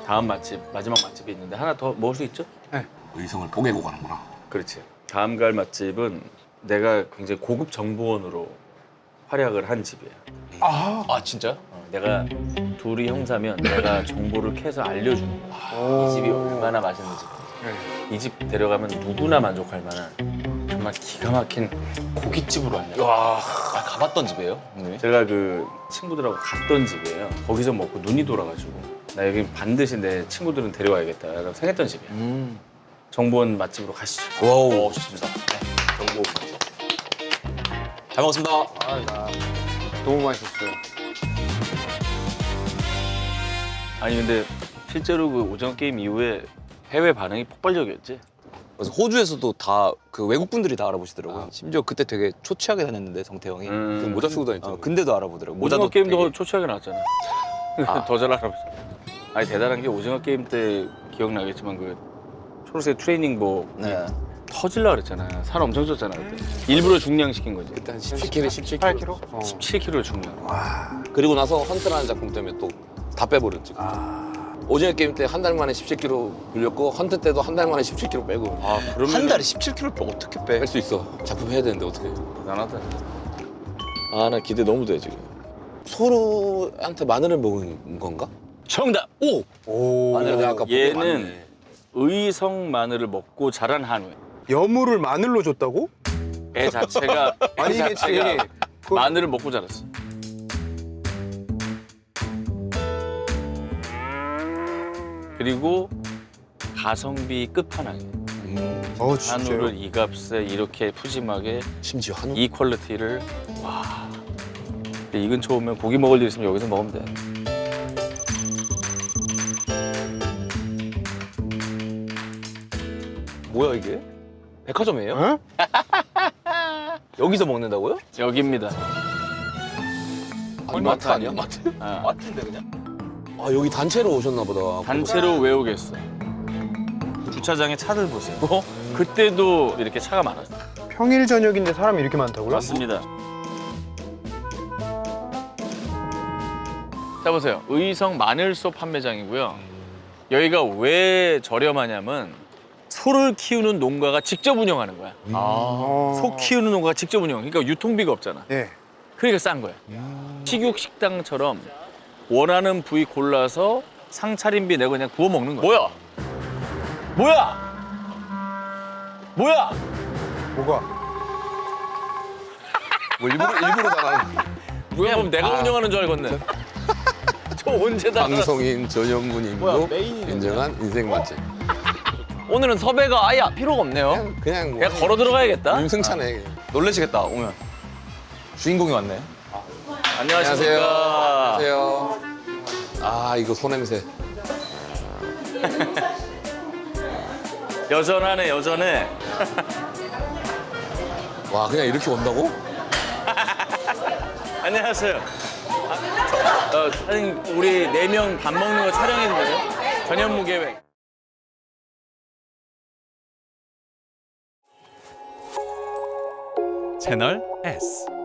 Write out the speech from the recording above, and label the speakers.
Speaker 1: 다음 맛집, 마지막 맛집이 있는데 하나 더 먹을 수 있죠?
Speaker 2: 네.
Speaker 3: 의성을 뽀개고 가는구나.
Speaker 1: 그렇지. 다음 갈 맛집은 내가 굉장히 고급 정보원으로 활약을 한 집이야.
Speaker 2: 아,
Speaker 4: 진짜요?
Speaker 1: 내가 둘이 형사면 내가 정보를 캐서 알려주는 거야. 이 집이 얼마나 맛있는 집인지. 이 집 데려가면 누구나 만족할 만한 정말 기가 막힌 고깃집으로 안내.
Speaker 4: 와, 가봤던 집이에요, 형님이?
Speaker 1: 제가 그 친구들하고 갔던 집이에요. 거기서 먹고 눈이 돌아가지고 나 여기 반드시 내 친구들은 데려와야겠다 라고 생각했던 집이야. 정보원 맛집으로 가시죠.
Speaker 4: 와우, 좋습니다. 네, 정보 맛집. 잘 먹었습니다.
Speaker 2: 나 너무 맛있었어요.
Speaker 1: 아니 근데 실제로 그 오징어 게임 이후에 해외 반응이 폭발적이었지.
Speaker 4: 그래서 호주에서도 다 그 외국 분들이 다 알아보시더라고요. 심지어 그때 되게 초췌하게 다녔는데 성태형이.
Speaker 3: 그 모자 쓰고 다녔잖아.
Speaker 4: 근데도 알아보더라고요.
Speaker 1: 오징어
Speaker 4: 모자도
Speaker 1: 게임도
Speaker 4: 되게-
Speaker 1: 초췌하게 나왔잖아. 더 잘 알아보죠. 아니 대단한 게 오징어 게임 때 기억나겠지만 그 초록색 트레이닝복
Speaker 4: 네.
Speaker 1: 터질라 그랬잖아. 살 엄청 쪘잖아 그때. 일부러 중량시킨 거지.
Speaker 3: 그때 한 17kg, 17kg.
Speaker 2: 8kg?
Speaker 1: 17kg를 중량.
Speaker 3: 그리고 나서 헌트라는 작품 때문에 또 다 빼버렸지. 오징어 게임 때 한 달 만에 17kg 불렸고 헌트 때도 한 달 만에 17kg 빼고.
Speaker 1: 아 그러면
Speaker 4: 한 달에 17kg를 어떻게 빼?
Speaker 3: 뺄 수 있어. 작품 해야 되는데 어떻게?
Speaker 1: 대단하다.
Speaker 3: 아 나 기대 너무 돼 지금. 소루한테 마늘을 먹은 건가?
Speaker 1: 정답. 오.
Speaker 2: 오.
Speaker 3: 마늘 내가 아까 보고
Speaker 1: 얘는
Speaker 3: 맞네.
Speaker 1: 의성 마늘을 먹고 자란 한우야.
Speaker 2: 여물을 마늘로 줬다고?
Speaker 1: 애 자체가
Speaker 2: 아니겠지.
Speaker 1: 마늘을 먹고 자랐어. 그리고 가성비 끝판왕이야. 한우를
Speaker 2: 진짜요?
Speaker 1: 이 값에 이렇게 푸짐하게
Speaker 3: 심지어 한우.
Speaker 1: 이 퀄리티를 와. 근데 이 근처 오면 고기 먹을 일 있으면 여기서 먹으면 돼.
Speaker 4: 뭐야 이게? 백화점이에요?
Speaker 2: 어?
Speaker 4: 여기서 먹는다고요?
Speaker 1: 여기입니다.
Speaker 3: 아니, 마트 아니야? 마트?
Speaker 1: 아,
Speaker 4: 마트인데 그냥?
Speaker 3: 아 여기 단체로 오셨나 보다.
Speaker 1: 단체로 외우겠어. 주차장에 차들 보세요. 그때도 이렇게 차가 많았어.
Speaker 2: 평일 저녁인데 사람이 이렇게 많다고요?
Speaker 1: 맞습니다. 자 보세요. 의성 마늘소 판매장이고요. 여기가 왜 저렴하냐면 소를 키우는 농가가 직접 운영하는 거야. 소 키우는 농가가 직접 운영. 그러니까 유통비가 없잖아.
Speaker 2: 예.
Speaker 1: 그러니까 싼 거야. 식육 식당처럼 원하는 부위 골라서 상차림비 내고 그냥 구워 먹는 거야.
Speaker 4: 뭐야?
Speaker 1: 뭐야? 뭐야?
Speaker 2: 뭐가?
Speaker 3: 뭐 일부러 당하는.
Speaker 1: 누가 보면 내가 운영하는 줄 알겠네. 저 언제 다
Speaker 3: 방송인 전현무님도 인정한 인생 맛집.
Speaker 4: 오늘은 섭외가 아예 필요가 없네요.
Speaker 3: 그냥 뭐
Speaker 1: 그냥 걸어 들어가야겠다.
Speaker 3: 윤승찬에.
Speaker 4: 놀라시겠다 오면. 주인공이 왔네.
Speaker 1: 안녕하십니까.
Speaker 3: 안녕하세요. 아 이거 소냄새.
Speaker 1: 여전하네 여전해.
Speaker 3: 와 그냥 이렇게 온다고?
Speaker 1: 안녕하세요. 사장님 우리 4명 밥 먹는 거 촬영했는데 전현무 계획.
Speaker 5: 채널 S